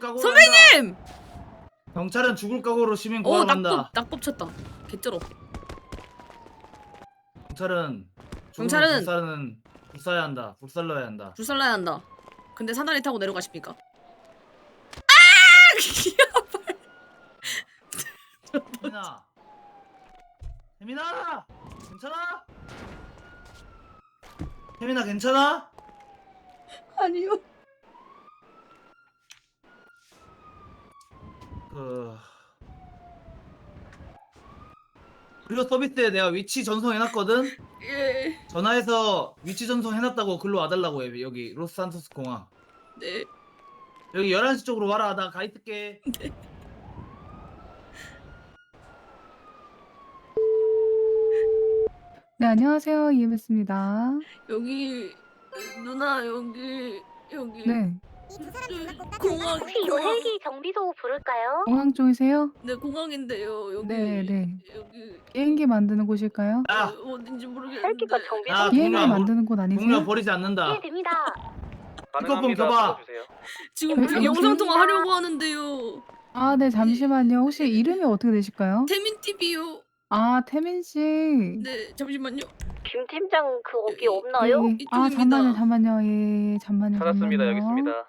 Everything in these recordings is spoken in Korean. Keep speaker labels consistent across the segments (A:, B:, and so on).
A: 각오로
B: 선배님!
A: 한다. 경찰은 죽을 각오로 시민 구하러 간다.
B: 낙법 쳤다. 개쩔어.
A: 경찰은
B: 경찰은
A: 불사는 불사야 한다. 불살러야 한다.
B: 불살라야 한다. 근데 사다리 타고 내려가십니까?
A: 혜민아, 혜민아, 괜찮아? 혜민아 괜찮아?
B: 아니요.
A: 그리고 서비스에 내가 위치 전송해놨거든.
B: 예.
A: 전화해서 위치 전송해놨다고 글로 와달라고 해. 여기 로스산토스 공항.
B: 네.
A: 여기 11시 쪽으로 와라. 나 가 있을게.
C: 네, 안녕하세요. EMS입니다.
B: 여기 누나 여기
C: 네,
B: 공항
D: 혹시 요 헬기 정비소 부를까요?
C: 공항 쪽이세요?
B: 네 공항인데요. 여기
C: 네, 네.
B: 여기
C: 비행기 만드는 곳일까요?
A: 야,
B: 어딘지 모르겠는데.
D: 헬기가 정비소
A: 아,
C: 비행기
A: 동료,
C: 만드는 곳
A: 동료
C: 아니세요?
A: 버리지 않는다.
D: 예 됩니다.
A: 피커폰 켜봐.
B: 지금
C: 여보세요?
B: 영상 통화 하려고 하는데요.
C: 아, 네, 잠시만요. 혹시 이름이 어떻게 되실까요?
B: 태민 TV요.
C: 아, 태민 씨.
B: 네 잠시만요.
D: 김 팀장 그 거기
C: 예,
D: 없나요?
C: 예. 아,
B: 이쪽입니다.
C: 잠만요. 예, 잠만요.
E: 찾았습니다. 여기
C: 잠만요.
E: 있습니다.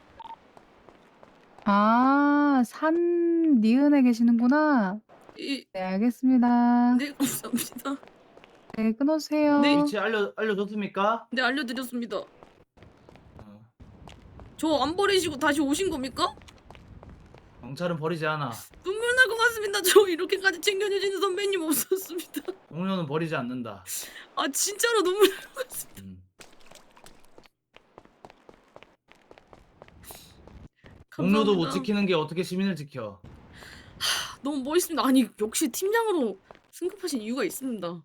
C: 아, 산 니은에 계시는구나. 네, 알겠습니다.
B: 네 감사합니다.
C: 네, 끊어주세요.
B: 네.
A: 위치 알려줬습니까?
B: 네 알려드렸습니다.
A: 어,
B: 저 안 버리시고 다시 오신 겁니까?
A: 경찰은 버리지 않아.
B: 눈물 날 것 같습니다. 저 이렇게까지 챙겨주시는 선배님 없었습니다.
A: 동료는 버리지 않는다.
B: 아 진짜로 눈물 날 것 같습니다.
A: 동료도 못
B: 감사합니다.
A: 지키는 게 어떻게 시민을 지켜?
B: 너무 멋있습니다. 아니 역시 팀장으로 승급하신 이유가 있습니다.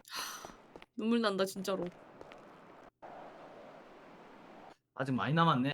B: 눈물 난다 진짜로.
A: 아직 많이 남았네.